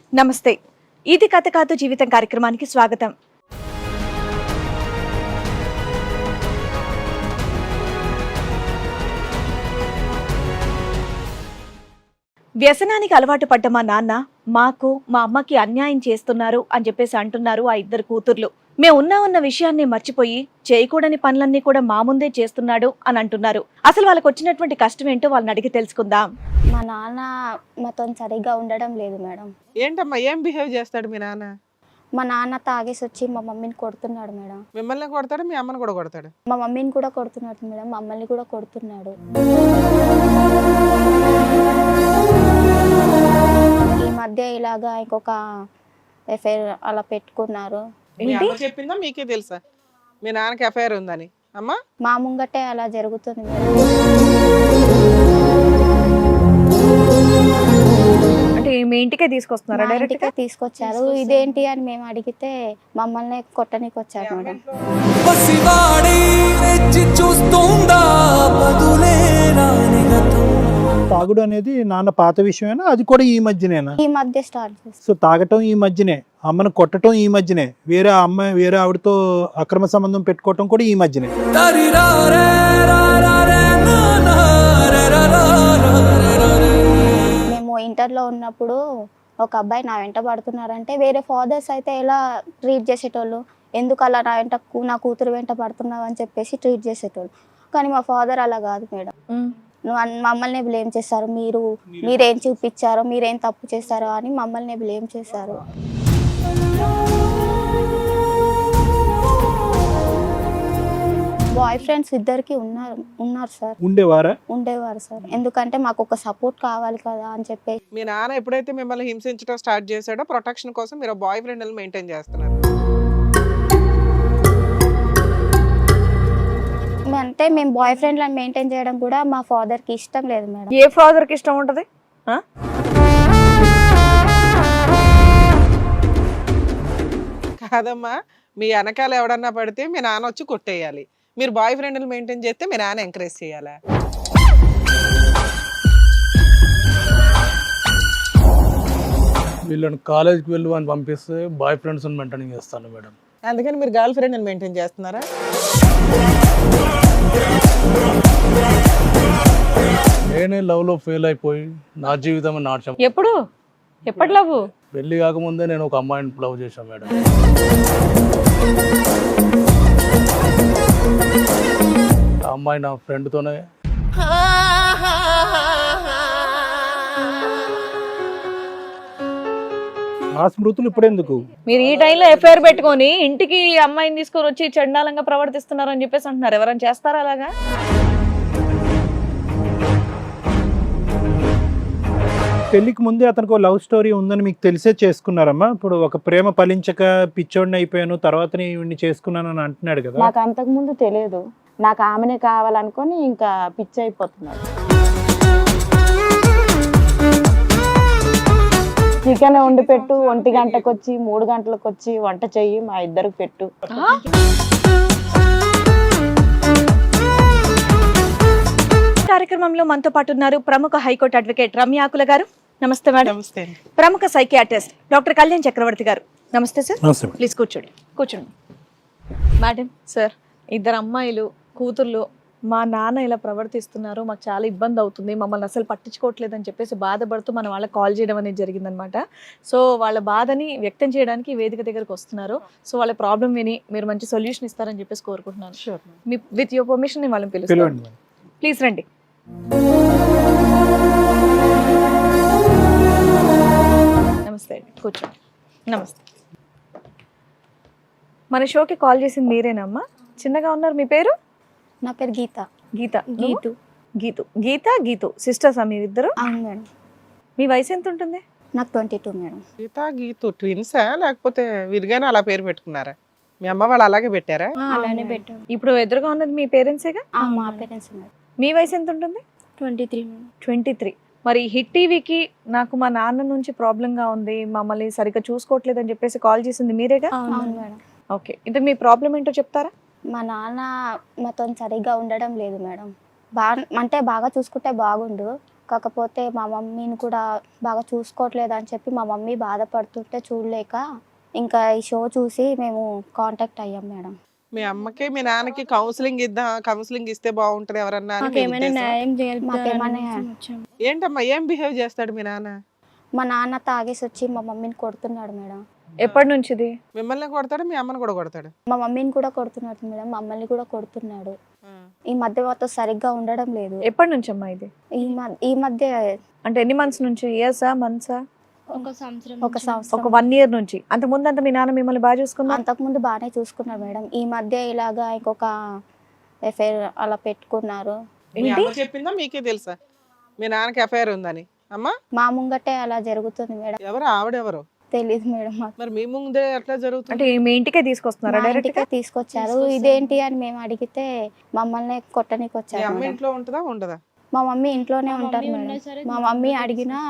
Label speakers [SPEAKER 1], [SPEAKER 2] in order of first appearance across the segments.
[SPEAKER 1] నమస్తే. ఇది కథ కాదు జీవితం కార్యక్రమానికి స్వాగతం. వ్యసనానికి అలవాటు పడ్డ మా నాన్న మాకు మా అమ్మకి అన్యాయం చేస్తున్నారు అని చెప్పేసి అంటున్నారు ఆ ఇద్దరు కూతుర్లు. మేము ఉన్న విషయాన్ని మర్చిపోయి చేయకూడని పనులన్నీ కూడా మా ముందే చేస్తున్నాడు అని అంటున్నారు. అసలు వాళ్ళకి వచ్చినటువంటి కష్టం ఏంటో వాళ్ళని అడిగి తెలుసుకుందాం.
[SPEAKER 2] మా నాన్న మాతో సరిగ్గా ఉండడం లేదు మేడం.
[SPEAKER 3] ఏంటమ్మా, ఏం బిహేవ్ చేస్తాడు మీ నాన్న?
[SPEAKER 2] మా నాన్న తాగేసి వచ్చి మా మమ్మీని కొడుతున్నాడు మేడం.
[SPEAKER 3] మిమ్మల్ని కొడతాడు, మీ అమ్మని కూడా కొడతాడు?
[SPEAKER 2] మా మమ్మీని కూడా కొడుతున్నాడు మేడం, మమ్మల్ని కూడా కొడుతున్నాడు. ఈ మధ్య ఇలాగా ఇంకొక ఎఫ్ఐఆర్ అలా పెట్టుకున్నారు.
[SPEAKER 3] మీ అమ్మ చెప్పిందా మీకే తెలుసా మీ నాన్నకి ఎఫ్ఐఆర్ ఉందని? అమ్మా,
[SPEAKER 2] మా ముంగటే అలా జరుగుతుంది మేడం.
[SPEAKER 1] అంటే మీ ఇంటికే తీసుకొస్తున్నారా?
[SPEAKER 2] మా
[SPEAKER 1] డైరెక్ట్
[SPEAKER 2] ఇంటికే తీసుకొచ్చారు. ఇదేంటి అని మేము అడిగితే మమ్మల్ని కొట్టనికి వచ్చారు మేడం.
[SPEAKER 4] తాగుడు అనేది నాన్న పాత విషయమేనా? అది కూడా ఈ మధ్యనేనా?
[SPEAKER 2] ఈ మధ్య స్టార్ట్ చేస్తాం.
[SPEAKER 4] సో తాగటం ఈ మధ్యనే, అమ్మను కొట్టడం ఈ మధ్యనే, వేరే అమ్మాయి వేరే ఆవిడతో అక్రమ సంబంధం పెట్టుకోవటం కూడా ఈ మధ్యనే.
[SPEAKER 2] మేము ఇంటర్లో ఉన్నప్పుడు ఒక అబ్బాయి నా వెంట పడుతున్నారంటే వేరే ఫాదర్స్ అయితే ఎలా ట్రీట్ చేసేటోళ్ళు, ఎందుకు అలా నా కూతురు వెంట పడుతున్నావు అని చెప్పేసి ట్రీట్ చేసేటోళ్ళు. కానీ మా ఫాదర్ అలా కాదు మేడం. మమ్మల్ని బ్లేమ్ చేస్తారు. మీరేం చూపించారో, మీరేం తప్పు చేశారో అని మమ్మల్ని బ్లేమ్ చేశారు. బాయ్ ఫ్రెండ్స్ ఇద్దరికి ఉన్నారు సార్. ఉండేవారు సార్. ఎందుకంటే మాకు ఒక సపోర్ట్ కావాలి కదా అని చెప్పేసి.
[SPEAKER 3] మీ నాన్న ఎప్పుడైతే మిమ్మల్ని హింసించడం స్టార్ట్ చేశాడో ప్రొటెక్షన్ కోసం మీరు బాయ్ ఫ్రెండ్ మెయింటైన్ చేస్తున్నారు.
[SPEAKER 2] అంటే మేము బాయ్ ఫ్రెండ్లను మెయింటైన్ చేయడం కూడా మా ఫాదర్కి ఇష్టం లేదు మేడం.
[SPEAKER 1] ఏ ఫాదర్ కి ఇష్టం ఉంటది?
[SPEAKER 3] కాదమ్మా, మీ వెనకాల ఎవడన్నా పడితే మీ నాన్న వచ్చి కొట్టేయాలి. మీరు బాయ్ ఫ్రెండ్ మెయింటైన్ చేస్తే మీ నాన్న ఎంకరేజ్ చేయాలా?
[SPEAKER 5] వీళ్ళని కాలేజ్కి వెళ్ళి అని పంపిస్తే బాయ్ ఫ్రెండ్స్ మెయింటైన్ చేస్తాను మేడం.
[SPEAKER 3] అందుకని మీరు గర్ల్ ఫ్రెండ్ మెయింటైన్ చేస్తున్నారా?
[SPEAKER 5] నేనే లవ్ లో ఫెయిల్ అయిపోయి నా జీవితం నాట్యం.
[SPEAKER 1] ఎప్పటి లవ్?
[SPEAKER 5] పెళ్లి కాకముందే నేను ఒక అమ్మాయిని లవ్ చేశాను మేడం. ఆ అమ్మాయి నా ఫ్రెండ్తోనే.
[SPEAKER 4] ఆ స్మృతులు ఇప్పుడెందుకు?
[SPEAKER 1] మీరు ఈ టైంలో ఎఫ్ఐఆర్ పెట్టుకొని ఇంటికి అమ్మాయిని తీసుకొని వచ్చి చండాలంగా ప్రవర్తిస్తున్నారు అని చెప్పేసి అంటున్నారు. ఎవరైనా చేస్తారా అలాగా?
[SPEAKER 4] పెళ్లికి ముందే అతనికి లవ్ స్టోరీ ఉందని మీకు తెలిసే చేసుకున్నారమ్మా? ఇప్పుడు ఒక ప్రేమ ఫలించక పిచ్చోడిని అయిపోయాను తర్వాత ఇవన్నీ చేసుకున్నాను అని అంటున్నాడు కదా.
[SPEAKER 6] నాకు అంతకు ముందు తెలియదు. నాకు ఆమెనే కావాలనుకొని ఇంకా పిచ్చి అయిపోతున్నాడు. చికెన్ వండి పెట్టు, 1 గంటకు వచ్చి 3 గంటలకు వచ్చి వంట చెయ్యి, మా ఇద్దరికి పెట్టు.
[SPEAKER 1] కార్యక్రమంలో మనతో పాటు ఉన్నారు ప్రముఖ హైకోర్టు అడ్వకేట్ రమ్య ఆకుల గారు. నమస్తే మేడం.
[SPEAKER 3] నమస్తే.
[SPEAKER 1] ప్రముఖ సైకియాట్రిస్ట్ డాక్టర్ కళ్యాణ్ చక్రవర్తి గారు. నమస్తే సార్. ప్లీజ్ కూర్చోండి. మేడం, సార్, ఇద్దరు అమ్మాయిలు కూతుర్లు మా నాన్న ఇలా ప్రవర్తిస్తున్నారు, మాకు చాలా ఇబ్బంది అవుతుంది, మమ్మల్ని అసలు పట్టించుకోవట్లేదు అని చెప్పేసి బాధపడుతూ మన వాళ్ళకి కాల్ చేయడం అనేది జరిగిందనమాట. సో వాళ్ళ బాధని వ్యక్తం చేయడానికి వేదిక దగ్గరకు వస్తున్నారు. సో వాళ్ళ ప్రాబ్లం విని మీరు మంచి సొల్యూషన్ ఇస్తారని చెప్పేసి కోరుకుంటున్నాను.
[SPEAKER 3] షూర్.
[SPEAKER 1] విత్ యువర్ పర్మిషన్ నేను వాళ్ళని పిలుస్తాను. ప్లీజ్ రండి. నమస్తే అండి, కూర్చోండి. నమస్తే. మన షోకి కాల్ చేసింది మీరేనమ్మా? చిన్నగా ఉన్నారు, మీ పేరు?
[SPEAKER 2] నా పేరు గీత.
[SPEAKER 1] గీతు సిస్టర్సా మీరిద్దరు?
[SPEAKER 2] అవును మేడం.
[SPEAKER 1] మీ వయసు ఎంత ఉంటుంది?
[SPEAKER 2] నాకు 22 మేడం.
[SPEAKER 3] గీతు ట్విన్సా లేకపోతే విరిగానే అలా పేరు పెట్టుకున్నారా? మీ అమ్మ వాళ్ళు అలాగే పెట్టారా?
[SPEAKER 2] అలానే పెట్టాను.
[SPEAKER 1] ఇప్పుడు ఎదురుగా ఉన్నది మీ పేరెంట్సేగా?
[SPEAKER 2] మా పేరెంట్స్ మేడం.
[SPEAKER 1] మీ వయసు ఎంత ఉంటుంది?
[SPEAKER 2] 23 మేడం.
[SPEAKER 1] 23. మరి హిట్ టీవీకి నాకు మా నాన్న నుంచి ప్రాబ్లంగా ఉంది, మమ్మల్ని సరిగ్గా చూసుకోవట్లేదు అని చెప్పేసి కాల్ చేసింది మీరేగా?
[SPEAKER 2] అవును మేడం.
[SPEAKER 1] ఓకే, ఇంత మీ ప్రాబ్లం ఏంటో చెప్తారా?
[SPEAKER 2] మా నాన్న మాతో సరిగ్గా ఉండడం లేదు మేడం. బాగా చూసుకుంటే బాగుండు, కాకపోతే మా మమ్మీని కూడా బాగా చూసుకోవట్లేదు అని చెప్పి మా మమ్మీ బాధపడుతుంటే చూడలేక ఇంకా ఈ షో చూసి మేము కాంటాక్ట్ అయ్యాం మేడం.
[SPEAKER 3] మీ అమ్మకి మీ నాన్నకి కౌన్సిలింగ్ ఇస్తే బాగుంటది ఎవరన్నా అని మీ
[SPEAKER 7] మాకేమైనా
[SPEAKER 3] ఉద్దేశం?
[SPEAKER 7] న్యాయం
[SPEAKER 2] మాకేమైనా
[SPEAKER 7] చేయాలి.
[SPEAKER 3] ఏంటమ్మా ఏం బిహేవ్ చేస్తాడు మీ నాన్న?
[SPEAKER 2] మా నాన్న తాగేసి వచ్చి మా మమ్మీని కొడుతున్నాడు మేడం.
[SPEAKER 1] ఎప్పటి నుంచి ఇది?
[SPEAKER 3] మిమ్మల్ని కొడతాడు, మీ అమ్మని కూడా కొడతాడు?
[SPEAKER 2] మా మమ్మీని కూడా కొడుతున్నాడు మేడం, మమ్మల్ని కూడా కొడుతున్నాడు. ఈ మధ్య మాతో సరిగ్గా ఉండడం లేదు.
[SPEAKER 1] ఎప్పటి నుంచి అమ్మా ఇది?
[SPEAKER 2] ఈ మధ్య
[SPEAKER 1] అంటే ఎన్ని మంత్స్ నుంచి? ఇయర్సా, మంత్సా?
[SPEAKER 2] ఒక
[SPEAKER 1] ఒక
[SPEAKER 2] సంవత్సరం
[SPEAKER 1] 1 year నుంచి. అంత ముందు అంతా మీ నాన్న మిమ్మల్ని బాగా చూసుకున్నా?
[SPEAKER 2] అంతకుముందు బాగానే చూసుకున్నాడు మేడం. ఈ మధ్య ఇలాగా ఇంకొక ఎఫ్ఐఆర్ అలా పెట్టుకున్నారు.
[SPEAKER 3] మీ అమ్మ చెప్పిందా మీకే తెలుసా మీ నాన్నకి ఎఫ్ఐఆర్ ఉందని? అమ్మా
[SPEAKER 2] మా ముంగటే అలా జరుగుతుంది మేడం.
[SPEAKER 3] ఎవరు ఆవిడెవరు?
[SPEAKER 2] తెలీదు మేడం మాకు.
[SPEAKER 3] మరి మీ ముందే ఎట్లా జరుగుతుంది?
[SPEAKER 1] అంటే మీ ఇంటికే తీసుకొస్తున్నారా
[SPEAKER 2] మా
[SPEAKER 1] డైరెక్ట్
[SPEAKER 2] ఇంటికే తీసుకొచ్చారు. ఇదేంటి అని మేము అడిగితే మమ్మల్ని కొట్టనికి
[SPEAKER 3] మీ
[SPEAKER 2] వచ్చారు
[SPEAKER 3] అమ్మ
[SPEAKER 2] మేడం.
[SPEAKER 3] ఇంట్లో ఉంటుందా ఉండదా?
[SPEAKER 2] మా మమ్మీ ఇంట్లోనే ఉంటారు మేడం. మా మమ్మీ అడిగినా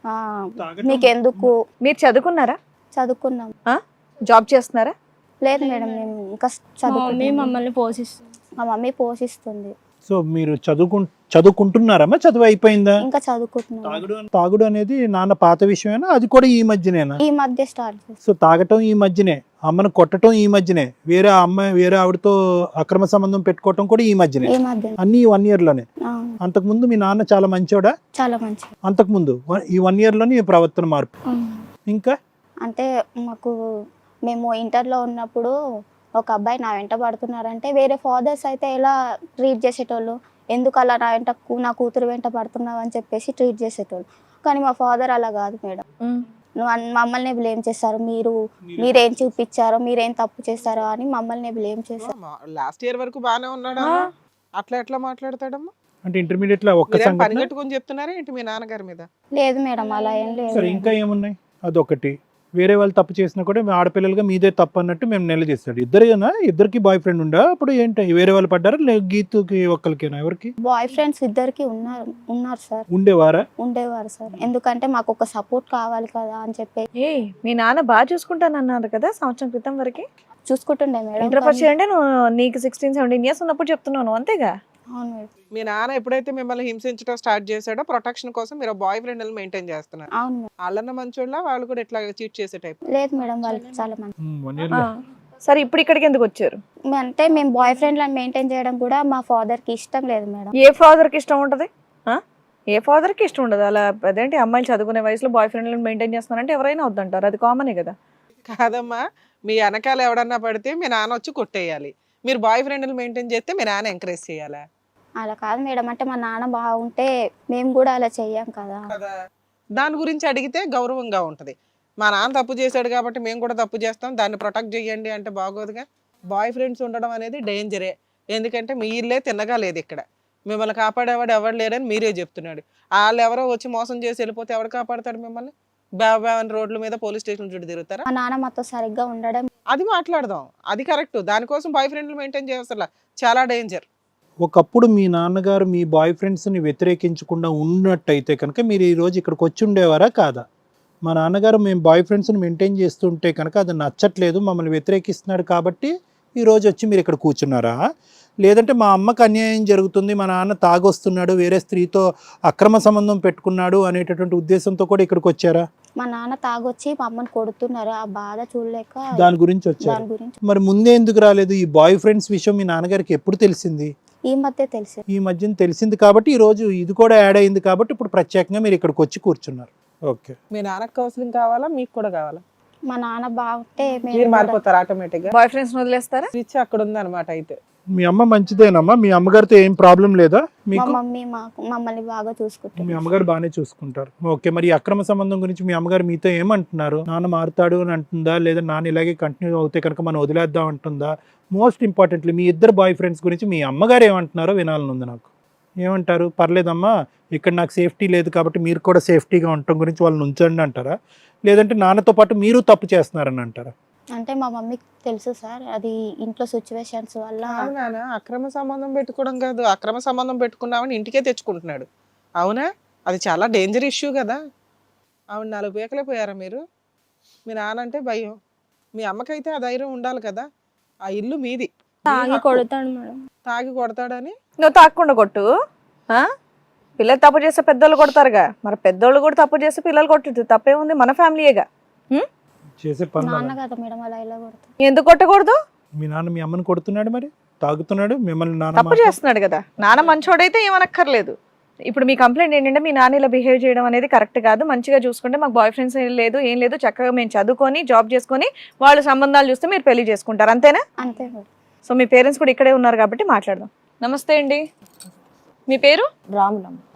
[SPEAKER 2] మీకెందుకు
[SPEAKER 1] మీరు చదువుకున్నారా?
[SPEAKER 2] చదువుకున్నాం.
[SPEAKER 1] జాబ్ చేస్తున్నారా?
[SPEAKER 2] లేదు మేడం, మేము ఇంకా
[SPEAKER 7] మమ్మల్ని పోషిస్తుంది.
[SPEAKER 2] మా మమ్మీ పోషిస్తుంది.
[SPEAKER 4] సో మీరు చదువుకుంటున్నారమ్మా? చదువు అయిపోయిందా?
[SPEAKER 2] ఇంకా చదువుకుంటున్నాం.
[SPEAKER 4] తాగుడు అనేది నాన్న పాత విషయమేనా? అది కూడా ఈ మధ్యనేనా?
[SPEAKER 2] ఈ మధ్య స్టార్ట్ చేస్తాం.
[SPEAKER 4] సో తాగటం ఈ మధ్యనే, అమ్మను కొట్టడం ఈ మధ్యనే, వేరే ఆవిడతో అక్రమ సంబంధం పెట్టుకోవటం కూడా ఈ మధ్యనే,
[SPEAKER 2] ఈ మధ్య
[SPEAKER 4] అన్ని 1 year లోనే. అంతకుముందు మీ నాన్న చాలా మంచోడా?
[SPEAKER 2] చాలా మంచి.
[SPEAKER 4] అంతకుముందు ఈ 1 year లోనే ఈ ప్రవర్తన మార్పు. ఇంకా
[SPEAKER 2] అంటే మేము ఇంటర్లో ఉన్నప్పుడు ఒక అబ్బాయి నా వెంట పడుతున్నారంటే వేరే ఫాదర్స్ అయితే ఎలా ట్రీట్ చేసేటోళ్ళు, ఎందుకు అలా నా కూతురు వెంట పడుతున్నావు అని చెప్పేసి ట్రీట్ చేసేటోళ్ళు. కానీ మా ఫాదర్ అలా కాదు మేడం. మమ్మల్ని బ్లేమ్ చేస్తారు. మీరేం చూపించారో, మీరేం తప్పు చేస్తారో అని మమ్మల్ని బ్లేమ్ చేస్తారు.
[SPEAKER 3] లాస్ట్ ఇయర్ వరకు బానే ఉన్నాడా? అట్లా ఎట్లా మాట్లాడతాడమ్మా?
[SPEAKER 4] అంటే ఇంటర్మీడియట్ లో ఒక్క
[SPEAKER 3] మీరేం పని
[SPEAKER 4] సంఘటన.
[SPEAKER 3] కట్టుకొని చెప్తున్నారా ఏంటి మీ నాన్నగారి మీద?
[SPEAKER 2] లేదు మేడం, అలా ఏం లేదు.
[SPEAKER 4] సరే, ఇంకా ఏమున్నాయి? అదొకటి. వేరే వాళ్ళు తప్పు చేసినా కూడా మీ ఆడపిల్లలుగా మీదే తప్పు అన్నట్టు మేము నిలదీస్తాడు. ఇద్దరికి బాయ్ ఫ్రెండ్ ఉండా? అప్పుడు ఏంటి వేరే వాళ్ళు పడ్డారా? గీతుకి ఒక్కరికేనా? ఎవరికి?
[SPEAKER 2] బాయ్ ఫ్రెండ్స్ ఇద్దరికి ఉన్నారు సార్. ఉండేవారు సార్. ఎందుకంటే మాకు ఒక సపోర్ట్ కావాలి కదా అని చెప్పి.
[SPEAKER 1] మీ నాన్న బాగా చూసుకుంటానన్నారు కదా సంవత్సరం క్రితం వరకు.
[SPEAKER 2] చూసుకుంటుండే మేడం.
[SPEAKER 1] ఇంటర్ ఫస్ట్ ఇయర్ అంటే నీకు 16-17 years ఉన్నప్పుడు చెప్తున్నాను, అంతేగా?
[SPEAKER 2] అవును మేడం.
[SPEAKER 3] మీ నాన్న ఎప్పుడైతే మిమ్మల్ని హింసించడం స్టార్ట్ చేశాడో ప్రొటెక్షన్ కోసం మీరు బాయ్ ఫ్రెండ్ మెయింటైన్ చేస్తున్నారు.
[SPEAKER 2] అవును మేడం.
[SPEAKER 3] వాళ్ళన్న మంచోళ్ళ వాళ్ళు కూడా ఇట్లా చీట్ చేసే టైప్?
[SPEAKER 2] లేదు మేడం, వాళ్ళు చాలా మంది.
[SPEAKER 4] 1 year లో.
[SPEAKER 1] సరే, ఇప్పుడు ఇక్కడికి ఎందుకు వచ్చారు?
[SPEAKER 2] అంటే మేము బాయ్ ఫ్రెండ్లను మెయింటైన్ చేయడం కూడా మా ఫాదర్కి ఇష్టం లేదు మేడం.
[SPEAKER 1] ఏ ఫాదర్కి ఇష్టం ఉంటది? ఏ ఫాదర్కి ఇష్టం ఉండదు అలా? అదేంటి, అమ్మాయిలు చదువుకునే వయసులో బాయ్ ఫ్రెండ్లను మెయింటైన్ చేస్తున్నారంటే ఎవరైనా వద్దంటారు, అది కామనే కదా.
[SPEAKER 3] కాదమ్మా, మీ వెనకాల ఎవడన్నా పడితే మీ నాన్న వచ్చి కొట్టేయాలి. మీరు బాయ్ ఫ్రెండ్ మెయింటైన్ చేస్తే మీ నాన్న ఎంకరేజ్ చేయాలా?
[SPEAKER 2] అలా కాదు మేడం. అంటే మా నాన్న బాగుంటే మేము కూడా అలా చెయ్యం కదా.
[SPEAKER 3] దాని గురించి అడిగితే గౌరవంగా ఉంటది. మా నాన్న తప్పు చేశాడు కాబట్టి మేము కూడా తప్పు చేస్తాం, దాన్ని ప్రొటెక్ట్ చేయండి అంటే బాగోదుగా. బాయ్ ఫ్రెండ్స్ ఉండడం అనేది డేంజరే. ఎందుకంటే మీ ఇల్లే తిన్నగా లేదు ఇక్కడ. మిమ్మల్ని కాపాడేవాడు ఎవరు లేరని మీరే చెప్తున్నాడు. వాళ్ళు ఎవరో వచ్చి మోసం చేసి వెళ్ళిపోతే ఎవరు కాపాడతాడు మిమ్మల్ని? బాబాన్ రోడ్ల మీద పోలీస్ స్టేషన్ చుట్టూ తిరుగుతారా?
[SPEAKER 2] మా నాన్న మాతో సరిగ్గా ఉండడం.
[SPEAKER 3] అది మాట్లాడదాం, అది కరెక్ట్. దానికోసం బాయ్ ఫ్రెండ్లు మెయింటైన్ చేయాల్సిన చాలా డేంజర్.
[SPEAKER 4] ఒకప్పుడు మీ నాన్నగారు మీ బాయ్ ఫ్రెండ్స్ని వ్యతిరేకించకుండా ఉన్నట్టయితే కనుక మీరు ఈరోజు ఇక్కడికి వచ్చి ఉండేవారా కాదా? మా నాన్నగారు మేము బాయ్ ఫ్రెండ్స్ని మెయింటైన్ చేస్తుంటే కనుక అది నచ్చట్లేదు, మమ్మల్ని వ్యతిరేకిస్తున్నాడు కాబట్టి ఈరోజు వచ్చి మీరు ఇక్కడ కూర్చున్నారా? లేదంటే మా అమ్మకు అన్యాయం జరుగుతుంది, మా నాన్న తాగొస్తున్నాడు, వేరే స్త్రీతో అక్రమ సంబంధం పెట్టుకున్నాడు అనేటటువంటి ఉద్దేశంతో కూడా ఇక్కడికి వచ్చారా?
[SPEAKER 2] మా నాన్న తాగొచ్చి మా అమ్మని కొడుతున్నారు, ఆ బాధ చూడలేక
[SPEAKER 4] దాని గురించి వచ్చారు.
[SPEAKER 2] దాని గురించి
[SPEAKER 4] మరి ముందే ఎందుకు రాలేదు? ఈ బాయ్ ఫ్రెండ్స్ విషయం మీ నాన్నగారికి ఎప్పుడు తెలిసింది?
[SPEAKER 2] ఈ మధ్య తెలిసి.
[SPEAKER 4] ఈ మధ్యన తెలిసింది కాబట్టి ఈ రోజు ఇది కూడా యాడ్ అయింది కాబట్టి ఇప్పుడు ప్రత్యేకంగా మీరు ఇక్కడికి వచ్చి కూర్చున్నారు. ఓకే.
[SPEAKER 3] మీ నాన్నకు కౌన్సిలింగ్ కావాలా, మీకు కూడా కావాలా?
[SPEAKER 2] మా నాన్న బాగుంటే
[SPEAKER 3] మీరు మారిపోతారు ఆటోమేటిక్ గా.
[SPEAKER 1] బాయ్ ఫ్రెండ్స్ వదిలేస్తారా?
[SPEAKER 3] స్విచ్ అక్కడ ఉంది అనమాట. అయితే
[SPEAKER 4] మీ అమ్మ మంచిదేనమ్మా? మీ అమ్మగారితో ఏం ప్రాబ్లం లేదా
[SPEAKER 2] మా
[SPEAKER 4] మీకు?
[SPEAKER 2] మమ్మీ మమ్మల్ని బాగా చూసుకుంటుంది.
[SPEAKER 4] మీ అమ్మగారు బాగానే చూసుకుంటారు. ఓకే. మరి ఈ అక్రమ సంబంధం గురించి మీ అమ్మగారు మీతో ఏమంటున్నారు? నాన్న మారుతాడు అని అంటుందా, లేదా నాన్న ఇలాగే కంటిన్యూ అవుతే కనుక మనం వదిలేద్దాం అంటుందా? మోస్ట్ ఇంపార్టెంట్లీ మీ ఇద్దరు బాయ్ ఫ్రెండ్స్ గురించి మీ అమ్మగారు ఏమంటున్నారో వినాలని ఉంది నాకు. ఏమంటారు? పర్లేదమ్మా, ఇక్కడ నాకు సేఫ్టీ లేదు కాబట్టి మీరు కూడా సేఫ్టీగా ఉండటం గురించి వాళ్ళని ఉంచండి అంటారా? లేదంటే నాన్నతో పాటు మీరు తప్పు చేస్తున్నారని అంటారా?
[SPEAKER 2] అంటే మా మమ్మీకి తెలుసు సార్, అది ఇంట్లో సిచ్యువేషన్స్ వల్ల.
[SPEAKER 3] నాన్న అక్రమ సంబంధం పెట్టుకోవడం కాదు, అక్రమ సంబంధం పెట్టుకున్నామని ఇంటికే తెచ్చుకుంటున్నాడు. అవునా? అది చాలా డేంజర్ ఇష్యూ కదా. ఆవిడ 4 పీకలే పోయారా మీరు? మీ నాన్న అంటే భయం, మీ అమ్మకైతే ఆ ధైర్యం ఉండాలి కదా. ఆ ఇల్లు మీది.
[SPEAKER 7] తాగి కొడతాడు మేడం.
[SPEAKER 3] తాగి కొడతాడని
[SPEAKER 1] నువ్వు తాగకుండా కొట్టు. పిల్లలు తప్పు చేస్తే పెద్దోళ్ళు కొడతారుగా, మరి పెద్దోళ్ళు కూడా తప్పు చేస్తే పిల్లలు కొట్టదు, తప్పేముంది, మన ఫ్యామిలీయేగా.
[SPEAKER 4] చేసే పనులు
[SPEAKER 2] నాన్న
[SPEAKER 4] అలా.
[SPEAKER 2] కదా మేడం అలా ఇలా కొడతారు.
[SPEAKER 1] ఎందుకు కొట్టకూడదు?
[SPEAKER 4] మీ నాన్న మీ అమ్మని కొడుతున్నాడు, మరి తాగుతున్నాడు, మిమ్మల్ని నాన్న
[SPEAKER 1] తప్పు చేస్తున్నాడు కదా. నాన్న మంచోడైతే ఏమనక్కర్లేదు. ఇప్పుడు మీ కంప్లైంట్ ఏంటంటే మీ నాన్న ఇలా బిహేవ్ చేయడం అనేది కరెక్ట్ కాదు, మంచిగా చూసుకుంటే మాకు బాయ్ ఫ్రెండ్స్ లేదు, ఏం లేదు, చక్కగా మేము చదువుకొని జాబ్ చేసుకొని వాళ్ళు సంబంధాలు చూస్తే మీరు పెళ్లి చేసుకుంటారు, అంతేనా?
[SPEAKER 2] అంతే మేడం.
[SPEAKER 1] సో మీ పేరెంట్స్ కూడా ఇక్కడే ఉన్నారు కాబట్టి మాట్లాడదాం. నమస్తే అండి, మీ పేరు?
[SPEAKER 6] రాములమ్మ.